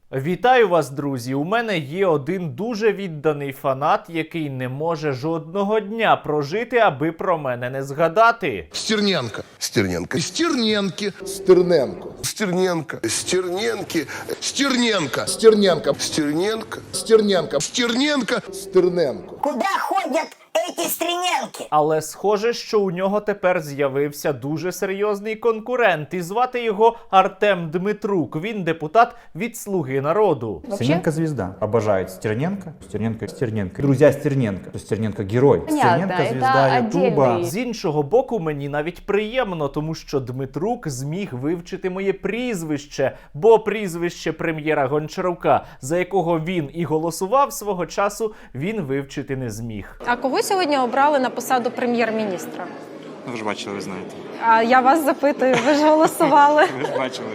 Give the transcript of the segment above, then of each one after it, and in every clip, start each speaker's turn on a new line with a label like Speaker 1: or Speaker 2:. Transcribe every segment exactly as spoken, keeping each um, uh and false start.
Speaker 1: Вітаю вас, друзі! У мене є один дуже відданий фанат, який не може жодного дня прожити, аби про мене не згадати.
Speaker 2: Стерненко. Стерненко. Стерненки.
Speaker 3: Стерненко.
Speaker 2: Стерненко. Стерненки. Стерненко.
Speaker 3: Стерненко.
Speaker 2: Стерненко.
Speaker 3: Стерненко.
Speaker 2: Стерненко.
Speaker 3: Стерненко.
Speaker 4: Куда ходят эти стриненки?
Speaker 1: Але схоже, що у нього тепер з'явився дуже серйозний конкурент, і звати його Артем Дмитрук. Він депутат від «Слуги народу».
Speaker 5: Стерненко звезда. Обожает Стерненко. Стерненко. Стерненко. Друзья Стерненко. Стерненко герой.
Speaker 6: Понятно,
Speaker 5: Стерненко звезда
Speaker 6: это
Speaker 5: Ютуба.
Speaker 6: отдельный.
Speaker 1: З іншого боку, мені навіть приємно, тому що Дмитрук зміг вивчити моє прізвище, бо прізвище прем'єра Гончарука, за якого він і голосував свого часу, він вивчити не зміг.
Speaker 7: А кого сьогодні обрали на посаду прем'єр-міністра?
Speaker 8: Ну, ви ж бачили, ви знаєте.
Speaker 7: А я вас запитую, ви ж голосували.
Speaker 8: Ви ж бачили.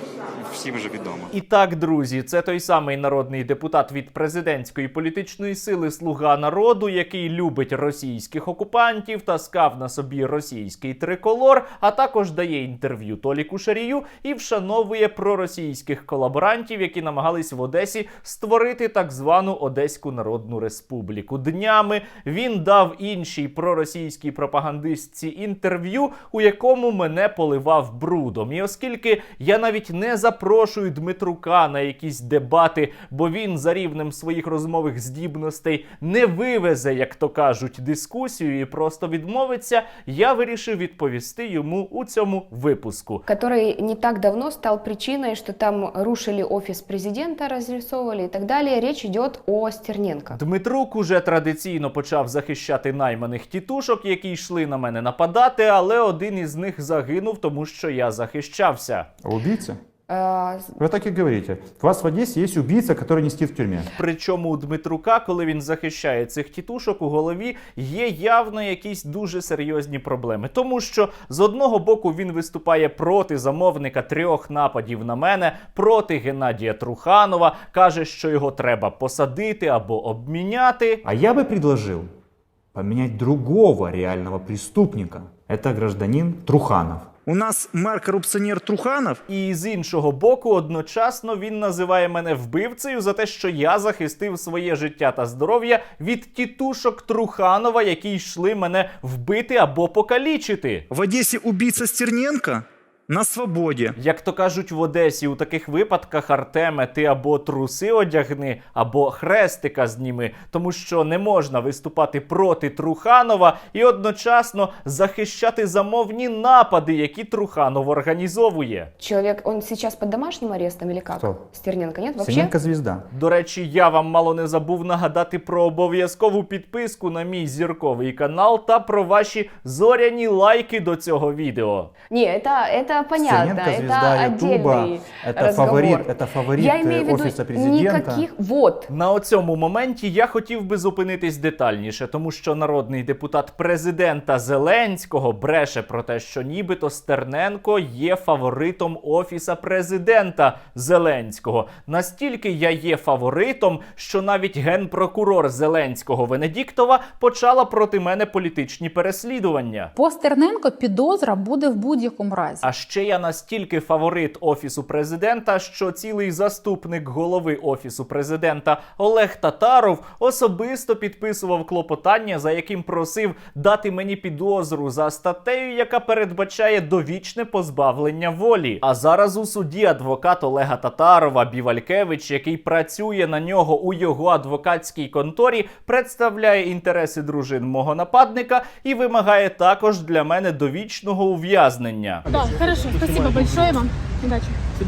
Speaker 8: Всім вже відомо.
Speaker 1: І так, друзі, це той самий народний депутат від президентської політичної сили «Слуга народу», який любить російських окупантів, таскав на собі російський триколор, а також дає інтерв'ю Толіку Шарію і вшановує проросійських колаборантів, які намагались в Одесі створити так звану Одеську Народну Республіку. Днями він дав іншій проросійській пропагандистці інтерв'ю, у якому мене поливав брудом. І оскільки я навіть не запрошую Дмитрука на якісь дебати, бо він за рівнем своїх розмових здібностей не вивезе, як то кажуть, дискусію і просто відмовиться, я вирішив відповісти йому у цьому випуску.
Speaker 6: Который не так давно стал причиной, что там рушили офис президента, разрисовывали и так далее. Речь идет о Стерненко.
Speaker 1: Дмитрук уже традиційно почав захищати найманих тітушок, які йшли на мене нападати, але один із них загинув, тому що я захищався.
Speaker 5: А убийца?
Speaker 6: Э,
Speaker 5: Вы так и говорите. У вас в Одессе есть убийца, который не сидит в тюрьме.
Speaker 1: Причому у Дмитрука, коли він захищає цих тітушок, у голові є явно якісь дуже серйозні проблеми. Тому що з одного боку він виступає проти замовника трьох нападів на мене, проти Геннадія Труханова, каже, що його треба посадити або обміняти.
Speaker 5: А я бы предложил поменять другого реального преступника. Это гражданин Труханов.
Speaker 9: У нас мэр-коррупционер Труханов.
Speaker 1: І з іншого боку, одночасно він називає мене вбивцею за те, що я захистив своє життя та здоров'я від тітушок Труханова, які йшли мене вбити або покалічити.
Speaker 9: В Одессе убийца Стерненко на свободі.
Speaker 1: Як то кажуть в Одесі, у таких випадках, Артеме, ти або труси одягни, або хрестика зніми, тому що не можна виступати проти Труханова і одночасно захищати замовні напади, які Труханов організовує.
Speaker 6: человек, он сейчас под домашним арестом или как?
Speaker 5: Кто?
Speaker 6: Стерненко, нет? Вообще?
Speaker 5: Стерненко звезда.
Speaker 1: До речі, я вам мало не забув нагадати про обов'язкову підписку на мій зірковий канал та про ваші зоряні лайки до цього відео.
Speaker 6: Не, это, это понятно,
Speaker 5: Стерненко звезда
Speaker 6: это
Speaker 5: Ютуба.
Speaker 6: отдельный
Speaker 5: Это
Speaker 6: разговор.
Speaker 5: фаворит, это фаворит
Speaker 6: Я имею в виду
Speaker 5: офиса президента.
Speaker 6: никаких... Вот.
Speaker 1: На оцьому моменті я хотів би зупинитись детальніше, тому що народний депутат президента Зеленського бреше про те, що нібито Стерненко є фаворитом офіса президента Зеленського. Настільки я є фаворитом, що навіть генпрокурор Зеленського Венедіктова почала проти мене політичні переслідування.
Speaker 10: По Стерненко підозра буде в будь-якому разі.
Speaker 1: А ще я настільки фаворит Офісу Президента, що цілий заступник голови Офісу Президента Олег Татаров особисто підписував клопотання, за яким просив дати мені підозру за статтею, яка передбачає довічне позбавлення волі. А зараз у суді адвокат Олега Татарова Бівалькевич, який працює на нього у його адвокатській конторі, представляє інтереси дружин мого нападника і вимагає також для мене довічного ув'язнення.
Speaker 10: Да, хорошо, спасибо большое вам. Удачи.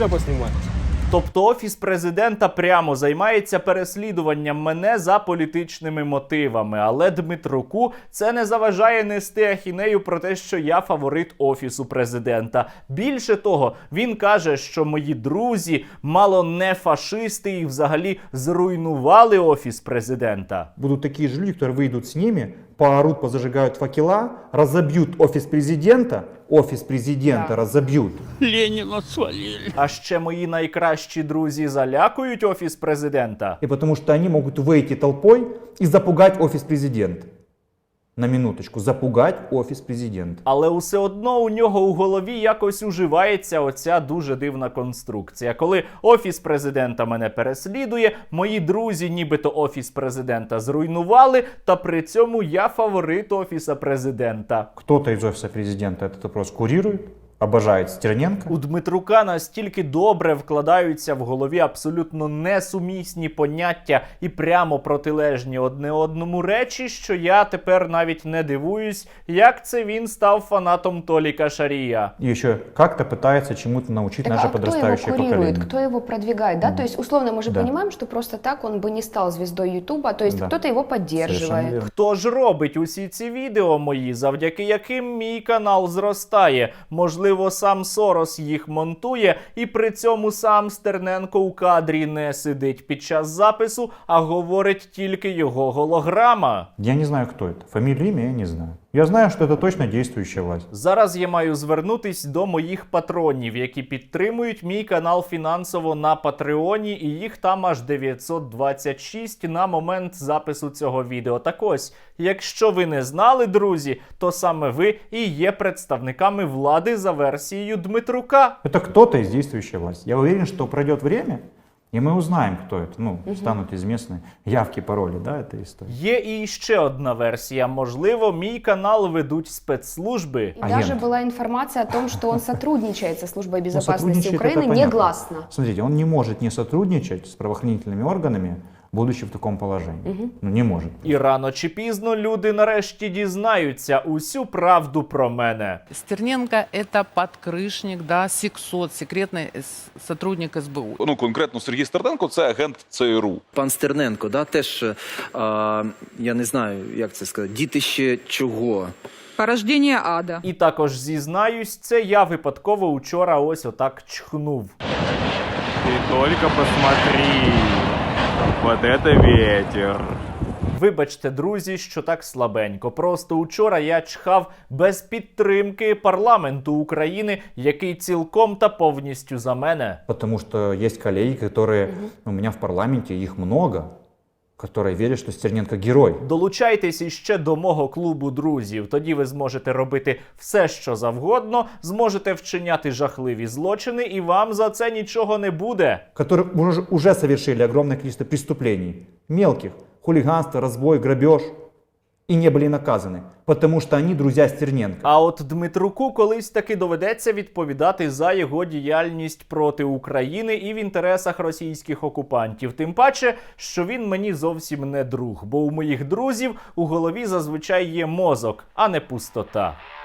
Speaker 1: Тобто Офіс Президента прямо займається переслідуванням мене за політичними мотивами, але Дмитруку це не заважає нести ахінею про те, що я фаворит Офісу Президента. Більше того, він каже, що мої друзі мало не фашисти і взагалі зруйнували Офіс Президента.
Speaker 5: Будут такие же люди, которые выйдут с ними, поорут, позажигают факела, разобьют офис президента, офис президента
Speaker 6: Да.
Speaker 5: разобьют.
Speaker 1: А ще мої найкращі друзі залякують Офіс Президента.
Speaker 5: И потому что они могут выйти толпой и запугать офис президента. на минуточку, запугать офис президента.
Speaker 1: Але усе одно у нього у голові якось уживається оця дуже дивна конструкція. Коли офіс президента мене переслідує, мої друзі нібито офіс президента зруйнували, та при цьому я фаворит офіса президента.
Speaker 5: Кто-то из офиса президента этот вопрос курирует, обожает Стерненко.
Speaker 1: У Дмитрука настільки добре вкладаються в голові абсолютно несумісні поняття і прямо протилежні одне одному речі, що я тепер навіть не дивуюсь, як це він став фанатом Толіка Шарія.
Speaker 5: И еще как-то пытается чему-то научить
Speaker 6: Так,
Speaker 5: наше
Speaker 6: а кто его
Speaker 5: подрастающее
Speaker 6: курирует,
Speaker 5: поколение.
Speaker 6: кто его продвигает, да? То есть, условно, мы же
Speaker 5: Да.
Speaker 6: понимаем, что просто так он бы не стал звездой Ютуба, то есть
Speaker 5: Да.
Speaker 6: кто-то его
Speaker 5: Совершенно
Speaker 6: поддерживает.
Speaker 5: верно.
Speaker 1: Хто ж робить усі ці відео мої, завдяки яким мій канал зростає? Можливо, сам Сорос їх монтує, і при цьому сам Стерненко у кадрі не сидить під час запису, а говорить тільки його голограма.
Speaker 5: Я не знаю, кто это. Фамилию, имя я не знаю. Я знаю, что это точно действующая власть.
Speaker 1: Зараз я маю звернутись до моїх патронів, які підтримують мій канал фінансово на Патреоні, і їх там аж дев'ятсот двадцять шість на момент запису цього відео. Так ось, якщо ви не знали, друзі, то саме ви і є представниками влади за версією Дмитрука.
Speaker 5: Это кто-то из действующей власти. Я уверен, что пройдет время, и мы узнаем, кто это. Ну, станут известны явки, пароли, да, этой истории.
Speaker 1: Є і ще одна версія. Можливо, мій канал ведуть спецслужби.
Speaker 6: И
Speaker 5: Агент.
Speaker 6: даже была информация о том, что он сотрудничает со службой
Speaker 5: Ну,
Speaker 6: безопасности
Speaker 5: сотрудничает,
Speaker 6: Украины
Speaker 5: это понятно.
Speaker 6: негласно.
Speaker 5: Смотрите, он не может не сотрудничать с правоохранительными органами, будучи в таком положении. Ну, не может.
Speaker 1: І рано чи пізно люди нарешті дізнаються усю правду про мене.
Speaker 11: Стерненко – это подкрышник, да, сексот, секретный с- сотрудник эс бэ у.
Speaker 12: Ну, конкретно Сергій Стерненко – це агент це ер у.
Speaker 13: Пан Стерненко, да, теж, е, я не знаю, як це сказати, дітище чого?
Speaker 10: Порождение ада.
Speaker 1: І також зізнаюсь, це я випадково учора ось отак чхнув.
Speaker 8: Ти тільки посмотри, вот это ветер.
Speaker 1: Вибачте, друзі, що так слабенько. Просто учора я чхав без підтримки парламенту України, який цілком та повністю за мене.
Speaker 5: Потому что есть коллеги, которые у меня в парламенте, их много, которые верят, что Стерненко герой.
Speaker 1: Долучайтесь іще до мого клубу друзів. Тоді ви зможете робити все, що завгодно, зможете вчиняти жахливі злочини, і вам за це нічого не буде.
Speaker 5: Которые уже, уже совершили огромное количество преступлений. Мелких. Хулиганство, разбой, грабеж. И не были наказаны. Потому что они друзья Стерненко.
Speaker 1: А от Дмитруку колись таки доведеться відповідати за його діяльність проти України і в інтересах російських окупантів. Тим паче, що він мені зовсім не друг, бо у моїх друзів у голові зазвичай є мозок, а не пустота.